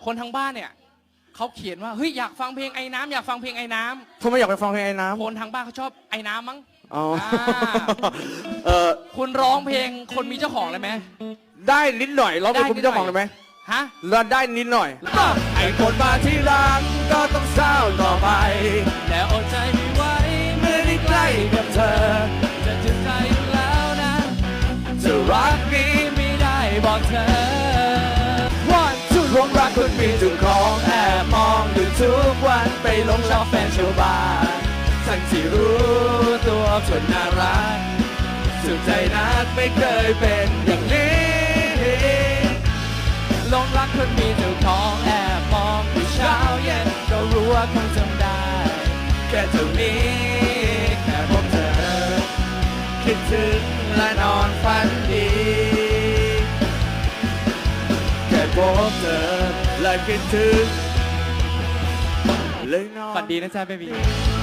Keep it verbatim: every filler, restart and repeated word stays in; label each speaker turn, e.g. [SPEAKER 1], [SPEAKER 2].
[SPEAKER 1] คนทั้งบ้านเนี่ยเขาเขียนว่าเฮ้ยอยากฟังเพลงไอ้น้ำอยากฟังเพลงไอ้น้ำ
[SPEAKER 2] ทำไมอยากไปฟังเพลงไอ้น้ำ
[SPEAKER 1] คนทางบ้านเขาชอบไอ้น้ำมั้ง
[SPEAKER 2] อ๋อ
[SPEAKER 1] อ่า
[SPEAKER 2] เออ
[SPEAKER 1] คุณร้องเพลงคนมีเจ้าของเลยไหม
[SPEAKER 2] ได้นิดหน่อยร้องเพลงคุณเจ้าของได้ไหม
[SPEAKER 1] ฮะ
[SPEAKER 2] แล้วได้นิดหน่อย
[SPEAKER 1] ไอ้คนมาที่หลังก็ต้องเศร้าต่อไปแล้วอดใจไม่ไหวเมื่อได้ใกล้กับเธอจะถึงใจอยู่แล้วนะจะรักนี้ไม่ได้บอกเธอวันชุดวงรักคุณมีเจุดของแอบมองอยู่ทุกวันไปหลงชอบแฟนชาวบ้านทั้งที่รู้ตัวจนน่ารักสุดใจนักไม่เคยเป็นอย่างนี้หลงรักคนมีเจ้าของแอบมองอยู่เช้าเย็นก็รู้ว่าคงจำได้แค่เท่านี้แค่พบเธอคิดถึงและนอนฝันดีแค่พบเธอและคิดถึงเลยนอนฝันดีนะจ๊ะเบบี